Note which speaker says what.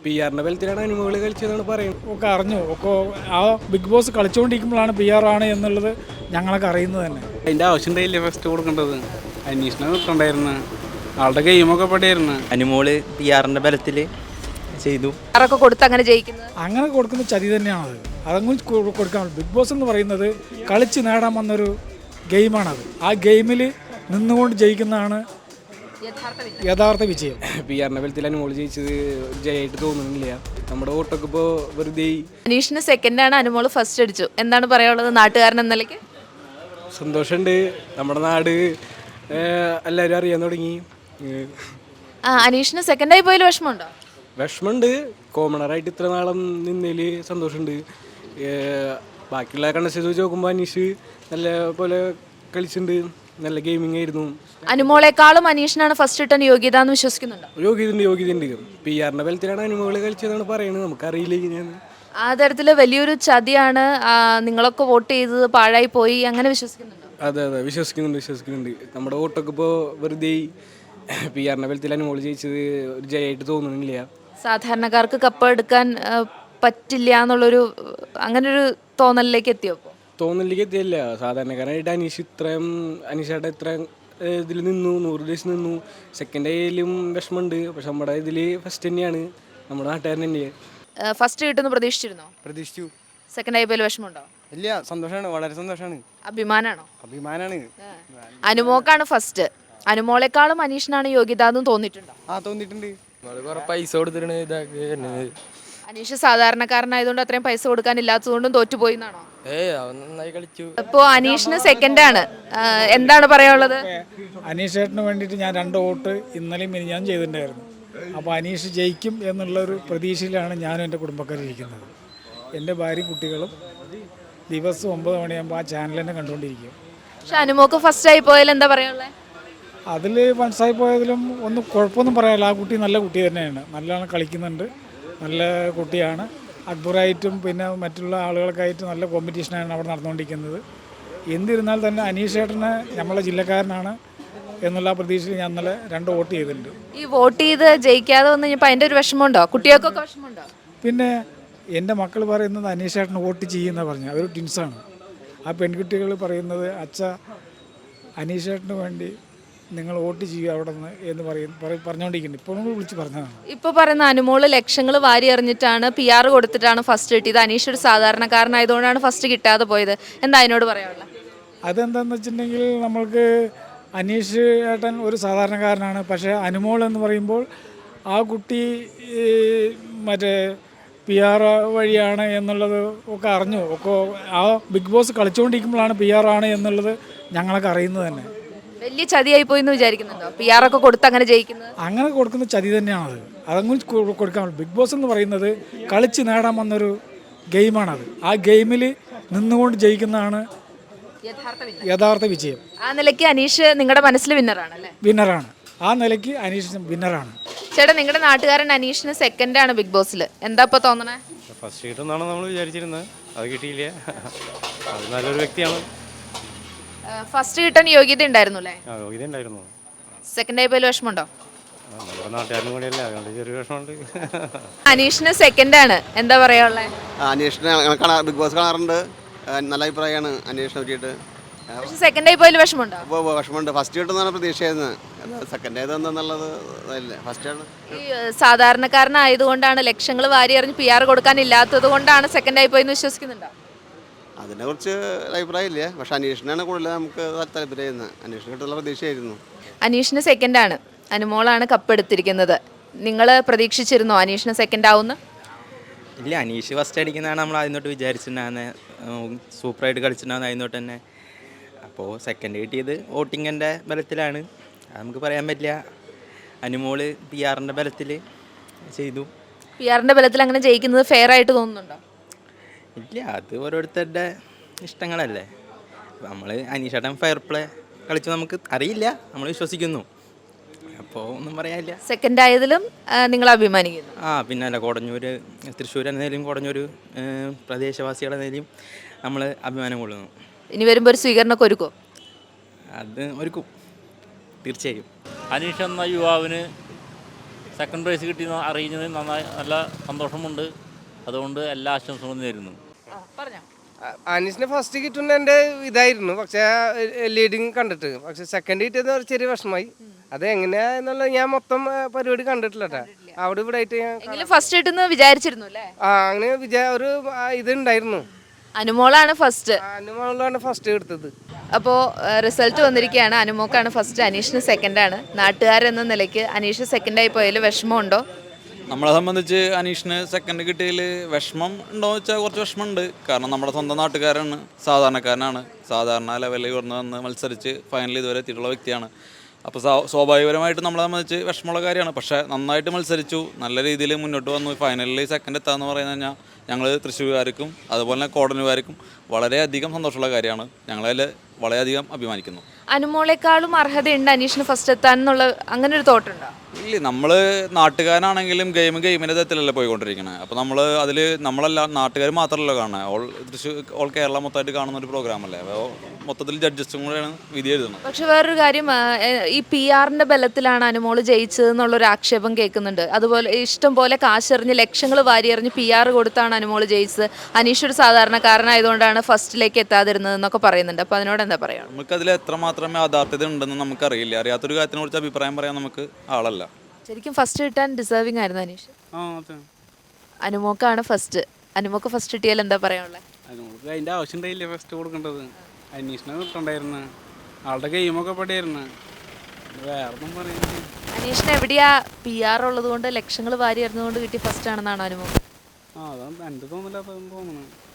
Speaker 1: PR ബലത്തിലാണ് അനുമോള് കളിച്ചതെന്നാണ് പറയുന്നത്.
Speaker 2: ഒക്കെ അറിഞ്ഞു ഒക്കെ ആ ബിഗ് ബോസ് കളിച്ചുകൊണ്ടിരിക്കുമ്പോഴാണ് PR ആണ് എന്നുള്ളത് ഞങ്ങളൊക്കെ അറിയുന്നത് തന്നെ.
Speaker 1: അതിൻ്റെ ആവശ്യം ഉണ്ടായില്ലേ ഫസ്റ്റ് കൊടുക്കേണ്ടത്? അന്വേഷണം കിട്ടണ്ടായിരുന്നു. ആളുടെ ഗെയിമൊക്കെ പടിയായിരുന്നു.
Speaker 3: അനുമോള് PR ബലത്തിൽ ചെയ്തു.
Speaker 4: ആരൊക്കെ കൊടുത്ത് അങ്ങനെ ജയിക്കുന്നത്?
Speaker 2: അങ്ങനെ കൊടുക്കുന്ന ചതി തന്നെയാണത്. അതങ്ങനെ കൊടുക്കാൻ ബിഗ് ബോസ് എന്ന് പറയുന്നത് കളിച്ച് നേടാൻ വന്നൊരു ഗെയിമാണത്. ആ ഗെയിമിൽ നിന്നുകൊണ്ട് ജയിക്കുന്നതാണ് യഥാർത്ഥ വിജയം.
Speaker 1: PR ബലത്തിൽ അനുമോള് ജയിച്ചത് ജയമായിട്ട് തോന്നുന്നില്ല. നമ്മുടെ വോട്ടൊക്കെ ഇപ്പോൾ വെറുതെ.
Speaker 4: അനീഷിന് സെക്കൻഡാണ്, അനുമോള് ഫസ്റ്റ് അടിച്ചു. എന്താണ് പറയാനുള്ളത് നാട്ടുകാരൻ എന്ന നിലയ്ക്ക്?
Speaker 1: സന്തോഷമുണ്ട്. നമ്മുടെ നാട് എല്ലാവരും അറിയാൻ തുടങ്ങി.
Speaker 4: അനീഷിന് സെക്കൻഡായി പോയാൽ വിഷമമുണ്ടോ?
Speaker 1: വിഷമമുണ്ട്. കോമണറായിട്ട് ഇത്ര നാളം നിന്നതിൽ സന്തോഷമുണ്ട്. ബാക്കിയുള്ള കണ്ടസ്റ്റൻസ് വെച്ച് നോക്കുമ്പോൾ അനീഷ് നല്ല പോലെ കളിച്ചിട്ടുണ്ട്. നല്ല ഗെയിമിംഗ് ആയിരുന്നു.
Speaker 4: അനുമോളെക്കാളും അനീഷിനാണ് ഫസ്റ്റ് കിട്ടാൻ യോഗ്യത എന്ന് വിശ്വസിക്കുന്നുണ്ടോ?
Speaker 1: യോഗ്യതയുണ്ട്. PR ബലത്തിലാണ് അനുമോള് കളിച്ചതെന്നാണ് പറയുന്നത്. നമുക്കറിയില്ല ഇങ്ങനെയാണ്.
Speaker 4: ആ തരത്തിൽ വലിയൊരു ചതിയാണ് നിങ്ങളൊക്കെ വോട്ട് ചെയ്തത് പാഴായി പോയി അങ്ങനെ വിശ്വസിക്കുന്നുണ്ടോ?
Speaker 1: അതെ വിശ്വസിക്കുന്നുണ്ട്. നമ്മുടെ വോട്ടൊക്കെ ഇപ്പോൾ വെറുതെ. PR ബലത്തിൽ അനുമോള് ജയിച്ചത് ഒരു ജയമായിട്ട് തോന്നുന്നില്ല.
Speaker 4: സാധാരണക്കാർക്ക് കപ്പ് എടുക്കാൻ പറ്റില്ല എന്നുള്ളൊരു അങ്ങനൊരു തോന്നലിലേക്ക് എത്തിയോ?
Speaker 1: തോന്നലിലേക്ക് എത്തിയല്ല. സാധാരണക്കാരായിട്ട് അനീഷേട്ട ഇത്രയും ഇതിൽ നിന്നു, 100 ഡേയ്സ് നിന്നു. സെക്കൻഡ് ആയാലും വിഷമമുണ്ട്. പക്ഷെ നമ്മുടെ ഇതിൽ ഫസ്റ്റ് തന്നെയാണ്, നമ്മുടെ നാട്ടുകാരൻ തന്നെയാണ്.
Speaker 4: ഫസ്റ്റ് കിട്ടുമെന്ന്
Speaker 5: പ്രതീക്ഷിച്ചു.
Speaker 4: സെക്കൻഡ് ആയി പോയാൽ വിഷമമുണ്ടോ?
Speaker 5: ഇല്ല, സന്തോഷമാണ്, വളരെ സന്തോഷമാണ്.
Speaker 4: അഭിമാനാണ്. അനുമോക്കാണ് ഫസ്റ്റ്. അനുമോളെക്കാളും അനീഷിനാണ് യോഗ്യത എന്ന് തോന്നിയിട്ടുണ്ടോ?
Speaker 5: തോന്നിയിട്ടുണ്ട്.
Speaker 3: പൈസ കൊടുത്തിട്ട്
Speaker 4: അനീഷ് സാധാരണക്കാരനായതുകൊണ്ട് അത്രയും പൈസ കൊടുക്കാൻ ഇല്ലാത്തതുകൊണ്ടും തോറ്റുപോയി എന്നാണോ?
Speaker 3: നന്നായി കളിച്ചു.
Speaker 4: ഇപ്പോൾ അനീഷിന് സെക്കൻഡാണ്, എന്താണ് പറയാനുള്ളത്?
Speaker 2: അനീഷ് ചേട്ടന് വേണ്ടിയിട്ട് ഞാൻ 2 വോട്ട് ഇന്നലെയും ഞാൻ ചെയ്തിട്ടുണ്ടായിരുന്നു. അപ്പോൾ അനീഷ് ജയിക്കും എന്നുള്ളൊരു പ്രതീക്ഷയിലാണ് ഞാനും എൻ്റെ കുടുംബക്കാരിരിക്കുന്നത്. എൻ്റെ ഭാര്യയും കുട്ടികളും ദിവസം 9 മണിയാകുമ്പോൾ ആ ചാനൽ തന്നെ കണ്ടുകൊണ്ടിരിക്കും.
Speaker 4: പക്ഷെ അനുമോക്ക് ഫസ്റ്റായി പോയാൽ എന്താ പറയാനുള്ളത്?
Speaker 2: അതിൽ മനസ്സായി പോയതിലും ഒന്നും കുഴപ്പമൊന്നും പറയാനില്ല. ആ കുട്ടി നല്ല കുട്ടി തന്നെയാണ്, നല്ലോണം കളിക്കുന്നുണ്ട്, നല്ല കുട്ടിയാണ്. അക്ബറായിട്ടും പിന്നെ മറ്റുള്ള ആളുകൾക്കായിട്ട് നല്ല കോമ്പറ്റീഷനാണ് അവിടെ നടന്നുകൊണ്ടിരിക്കുന്നത്. എന്നിരുന്നാൽ തന്നെ അനീഷ് ചേട്ടന് നമ്മളെ ജില്ലക്കാരനാണ് എന്നുള്ള പ്രതീക്ഷയിൽ ഞാൻ ഇന്നലെ 2 വോട്ട് ചെയ്തിട്ടുണ്ട്.
Speaker 4: ഈ വോട്ട് ചെയ്ത് ജയിക്കാതെ വന്നു കഴിഞ്ഞപ്പോൾ അതിൻ്റെ ഒരു വിഷമമുണ്ടോ? കുട്ടികൾക്കൊക്കെ വിഷമമുണ്ടോ?
Speaker 2: പിന്നെ എൻ്റെ മക്കൾ പറയുന്നത് അനീഷ് ചേട്ടന് വോട്ട് ചെയ്യുമെന്നാണ് പറഞ്ഞത്. അവർ ട്വിൻസാണ്. ആ പെൺകുട്ടികൾ പറയുന്നത് അച്ഛ അനീഷ് ചേട്ടന് വേണ്ടി നിങ്ങൾ വോട്ട് ചെയ്യുക അവിടെ നിന്ന് എന്ന് പറഞ്ഞുകൊണ്ടിരിക്കുന്നുണ്ട്. ഇപ്പോൾ നമ്മൾ വിളിച്ച് പറഞ്ഞതാണ്. ഇപ്പോൾ
Speaker 4: പറയുന്ന അനുമോള് ലക്ഷങ്ങൾ വാരി എറിഞ്ഞിട്ടാണ് PR കൊടുത്തിട്ടാണ് ഫസ്റ്റ് കിട്ടിയത്. അനീഷ് ഒരു സാധാരണക്കാരനായതുകൊണ്ടാണ് ഫസ്റ്റ് കിട്ടാതെ പോയത്. എന്താ അതിനോട് പറയാനുള്ളത്?
Speaker 2: അതെന്താണെന്ന് വെച്ചിട്ടുണ്ടെങ്കിൽ നമ്മൾക്ക് അനീഷ് ഏട്ടൻ ഒരു സാധാരണക്കാരനാണ്. പക്ഷേ അനുമോൾ എന്ന് പറയുമ്പോൾ ആ കുട്ടി മറ്റേ PR വഴിയാണ് എന്നുള്ളത് ഒക്കെ അറിഞ്ഞു. ഒക്കെ ആ ബിഗ് ബോസ് കളിച്ചുകൊണ്ടിരിക്കുമ്പോഴാണ് PR ആണ് എന്നുള്ളത് ഞങ്ങളൊക്കെ അറിയുന്നത് തന്നെ.
Speaker 4: വലിയ ചതിയായി പോയി എന്ന് വിചാരിക്കുന്നുണ്ടോ? PR ഒക്കെ കൊടുത്ത് അങ്ങനെ ജയിക്കുന്നത്?
Speaker 2: അങ്ങനെ കൊടുക്കുന്ന ചതി തന്നെയാണത്. അതങ്ങനെ കൊടുക്കാൻ ബിഗ് ബോസ് എന്ന് പറയുന്നത് കളിച്ച് നേടാൻ വന്നൊരു ഗെയിമാണത്. ആ ഗെയിമിൽ നിന്നുകൊണ്ട് ജയിക്കുന്നതാണ് യഥാർത്ഥ വിജയം.
Speaker 4: ആ നിലയ്ക്ക് അനീഷ് നിങ്ങളുടെ മനസ്സിൽ
Speaker 2: വിന്നറാണ്. ആ നിലയ്ക്ക് അനീഷ് വിന്നറാണ്.
Speaker 4: ചേട്ടാ, നിങ്ങളുടെ നാട്ടുകാരൻ അനീഷിന് സെക്കൻഡാണ് ബിഗ് ബോസിൽ. എന്താ ഇപ്പോൾ തോന്നണേ?
Speaker 5: ഫസ്റ്റ് കിട്ടുമെന്നാണ് നമ്മൾ വിചാരിച്ചിരുന്നത്. അത് കിട്ടിയില്ല. അത് നല്ലൊരു വ്യക്തിയാണ്.
Speaker 4: ഫസ്റ്റ് കിട്ടാൻ യോഗ്യത ഉണ്ടായിരുന്നു അല്ലേ?
Speaker 5: യോഗ്യത ഉണ്ടായിരുന്നു.
Speaker 4: സെക്കൻഡ് ആയി പോയാൽ വിഷമമുണ്ടോ?
Speaker 5: നമ്മുടെ നാട്ടുകാരനും കൂടിയല്ല, അതുകൊണ്ട് ചെറിയ വിഷമമുണ്ട്.
Speaker 4: അനീഷിന് സെക്കൻഡാണ്, എന്താ പറയാനുള്ളത്?
Speaker 6: അനീഷിനെ ബിഗ് ബോസ് കാണാറുണ്ട്. നല്ല അഭിപ്രായമാണ് അനീഷിനെ പറ്റിയിട്ട്.
Speaker 4: സെക്കൻഡ് ആയി പോയാൽ വിഷമമുണ്ടോ?
Speaker 6: വിഷമമുണ്ട്. ഫസ്റ്റ് കിട്ടുന്നതാണ് പ്രതീക്ഷയായിരുന്നത്. സെക്കൻഡ് ആയതെന്നുള്ളത് ഫസ്റ്റാണ്.
Speaker 4: ഈ സാധാരണക്കാരനായതുകൊണ്ടാണ് ലക്ഷങ്ങൾ വാരി എറിഞ്ഞ് PR കൊടുക്കാൻ ഇല്ലാത്തത് കൊണ്ടാണ് സെക്കൻഡ് ആയി പോയെന്ന് വിശ്വസിക്കുന്നുണ്ടോ?
Speaker 6: അതിനെക്കുറിച്ച് അഭിപ്രായമില്ല. പക്ഷെ അനീഷിനാണ് കൂടുതൽ നമുക്ക് താല്പര്യമായിരുന്നത്. അനീഷിന് കിട്ടുന്ന പ്രതീക്ഷയായിരുന്നു.
Speaker 4: അനീഷിന് സെക്കൻഡാണ്, അനുമോളാണ് കപ്പ് എടുത്തിരിക്കുന്നത്. നിങ്ങൾ പ്രതീക്ഷിച്ചിരുന്നോ അനീഷിന് സെക്കൻഡ് ആവുമെന്ന്?
Speaker 3: ഇല്ല, അനീഷ് ഫസ്റ്റ് അടിക്കുന്നതാണ് നമ്മൾ ആദ്യം തൊട്ട് വിചാരിച്ചിട്ടുണ്ടാകുന്നത്. സൂപ്പറായിട്ട് കളിച്ചിട്ടുണ്ടാകുന്നത് ആദ്യം തൊട്ട് തന്നെ. അപ്പോൾ സെക്കൻഡ് കിട്ടിയത് വോട്ടിങ്ങിൻ്റെ ബലത്തിലാണ്, അത് നമുക്ക് പറയാൻ പറ്റില്ല. അനുമോള് PR ബലത്തിൽ ചെയ്തു.
Speaker 4: PR ബലത്തിൽ അങ്ങനെ ജയിക്കുന്നത് ഫെയർ ആയിട്ട് തോന്നുന്നുണ്ടോ?
Speaker 3: ഇല്ല, അത് ഓരോരുത്തരുടെ ഇഷ്ടങ്ങളല്ലേ. നമ്മൾ അനീഷേട്ടൻ ഫെയർ പ്ലേ കളിച്ചു നമുക്ക് അറിയില്ല, നമ്മൾ വിശ്വസിക്കുന്നു. അപ്പോൾ ഒന്നും പറയാനില്ല.
Speaker 4: സെക്കൻഡ് ആയതിലും നിങ്ങൾ അഭിമാനിക്കുന്നു?
Speaker 3: പിന്നെ അല്ല, തൃശ്ശൂർ എന്നതിലും കൊടഞ്ഞൂർ പ്രദേശവാസികളെ എന്നതിലും നമ്മൾ അഭിമാനം കൊള്ളുന്നു.
Speaker 4: ഇനി വരുമ്പോൾ ഒരു സ്വീകരണമൊക്കെ ഒരുക്കോ?
Speaker 3: അത് ഒരുക്കും, തീർച്ചയായും.
Speaker 7: അനീഷ് എന്ന യുവാവിന് സെക്കൻഡ് പ്രൈസ് കിട്ടി അറിയുന്നത് നന്നായി നല്ല സന്തോഷമുണ്ട്. അതുകൊണ്ട് എല്ലാ ആശംസകളും നേരുന്നു.
Speaker 4: പറഞ്ഞോ.
Speaker 8: അനീഷിന് ഫസ്റ്റ് കിട്ടുന്ന എൻ്റെ ഇതായിരുന്നു, പക്ഷേ ലീഡിങ് കണ്ടിട്ട്. പക്ഷെ സെക്കൻഡ് കിട്ടിയത് ഒരു ചെറിയ വിഷമമായി. അത് എങ്ങനെയാ എന്നുള്ളത് ഞാൻ മൊത്തം പരിപാടി കണ്ടിട്ടില്ല കേട്ടോ. അവിടെ ഇവിടെ ആയിട്ട് ഞാൻ
Speaker 4: എങ്കിലും ഫസ്റ്റ് കിട്ടുന്ന വിചാരിച്ചിരുന്നു അല്ലേ?
Speaker 8: അങ്ങനെ ഒരു ഇതുണ്ടായിരുന്നു.
Speaker 4: അനുമോളാണ് ഫസ്റ്റ്.
Speaker 8: അനുമോളാണ് ഫസ്റ്റ് എടുത്തത്.
Speaker 4: അപ്പോൾ റിസൾട്ട് വന്നിരിക്കുകയാണ്. അനുമോക്കാണ് ഫസ്റ്റ്, അനീഷിന് സെക്കൻഡാണ്. നാട്ടുകാരെന്ന നിലയ്ക്ക് അനീഷ് സെക്കൻഡായി പോയതിൽ വിഷമമുണ്ടോ?
Speaker 9: നമ്മളെ സംബന്ധിച്ച് അനീഷിന് സെക്കൻഡ് കിട്ടിയതിൽ വിഷമം ഉണ്ടോ എന്ന് വെച്ചാൽ കുറച്ച് വിഷമമുണ്ട്. കാരണം നമ്മുടെ സ്വന്തം നാട്ടുകാരാണ്, സാധാരണക്കാരനാണ്, സാധാരണ ലെവലിൽ വന്ന് മത്സരിച്ച് ഫൈനലിൽ ഇതുവരെ എത്തിയിട്ടുള്ള വ്യക്തിയാണ്. അപ്പോൾ സ്വാഭാവികപരമായിട്ട് നമ്മളെ സംബന്ധിച്ച് വിഷമമുള്ള കാര്യമാണ്. പക്ഷേ നന്നായിട്ട് മത്സരിച്ചു, നല്ല രീതിയിൽ മുന്നോട്ട് വന്നു. ഫൈനലിൽ സെക്കൻഡ് എത്താമെന്ന് പറയുന്നത് കഴിഞ്ഞാൽ ഞങ്ങൾ തൃശ്ശൂർകാർക്കും അതുപോലെ തന്നെ കോടനുകാർക്കും വളരെയധികം സന്തോഷമുള്ള കാര്യമാണ്. ഞങ്ങളതിൽ വളരെയധികം അഭിമാനിക്കുന്നു.
Speaker 4: അനുമോളെക്കാളും അർഹതയുണ്ട് അനീഷിന് ഫസ്റ്റ് എത്താൻ എന്നുള്ള അങ്ങനെ ഒരു തോട്ടുണ്ടോ?
Speaker 9: ഇല്ല, നമ്മൾ നാട്ടുകാരനാണെങ്കിലും ഗെയിമിൻ്റെ തരത്തിലല്ലേ പോയിക്കൊണ്ടിരിക്കുന്നത്. അപ്പോൾ നമ്മൾ അതിൽ നമ്മളല്ല നാട്ടുകാർ മാത്രമല്ല കാണുന്നത്, ഓൾ കേരള മൊത്തമായിട്ട് കാണുന്ന ഒരു പ്രോഗ്രാമല്ലേ. അപ്പോൾ മൊത്തത്തിൽ ജഡ്ജസും കൂടെയാണ് വിധി എഴുതുന്നത്.
Speaker 4: പക്ഷെ വേറൊരു കാര്യം, ഈ PR-ന്റെ ബലത്തിലാണ് അനുമോള് ജയിച്ചതെന്നുള്ളൊരു ആക്ഷേപം കേൾക്കുന്നുണ്ട്. അതുപോലെ ഇഷ്ടം പോലെ കാശെറിഞ്ഞ് ലക്ഷങ്ങൾ വാരിയെറിഞ്ഞ് PR കൊടുത്താണ് അനുമോള് ജയിച്ചത്. അനീഷ് ഒരു സാധാരണക്കാരനായതുകൊണ്ടാണ് ഫസ്റ്റിലേക്ക് എത്താതിരുന്നത് എന്നൊക്കെ പറയുന്നുണ്ട്. അപ്പോൾ അതിനോട് എന്താ പറയുക?
Speaker 9: നമുക്കതിൽ എത്രമാത്രം യാഥാർത്ഥ്യത ഉണ്ടെന്ന് നമുക്കറിയില്ല. അറിയാത്തൊരു കാര്യത്തിനെ കുറിച്ച് അഭിപ്രായം പറയാൻ നമുക്ക് ആളല്ല.
Speaker 4: ശരിക്കും ഫസ്റ്റ് കിട്ടാൻ ഡിസേർവിംഗ് ആയിരുന്നു അനീഷ്. അനുമോക്കാണ് ഫസ്റ്റ്. അനുമോക്ക് ഫസ്റ്റ് കിട്ടിയാൽ എന്താ പറയാനുള്ളത്?
Speaker 1: നമുക്ക് അതിൻ്റെ ആവശ്യം ഉണ്ടായില്ലേ ഫസ്റ്റ് കൊടുക്കേണ്ടത്? അന്വേഷണം കിട്ടണ്ടായിരുന്നു. ആളുടെ ഗെയിമൊക്കെ പെടിയായിരുന്നു. വേറെ ഒന്നും പറയുന്നത്.
Speaker 4: അനീഷിന് എവിടെയാ PR ഉള്ളത് കൊണ്ട് ലക്ഷങ്ങൾ വാരി എറിഞ്ഞുകൊണ്ട് കിട്ടി ഫസ്റ്റ് ആണെന്നാണോ അനുമോ?
Speaker 1: അതാണ് എൻ്റെ തോന്നില്ലാത്തതെന്ന് തോന്നുന്നു.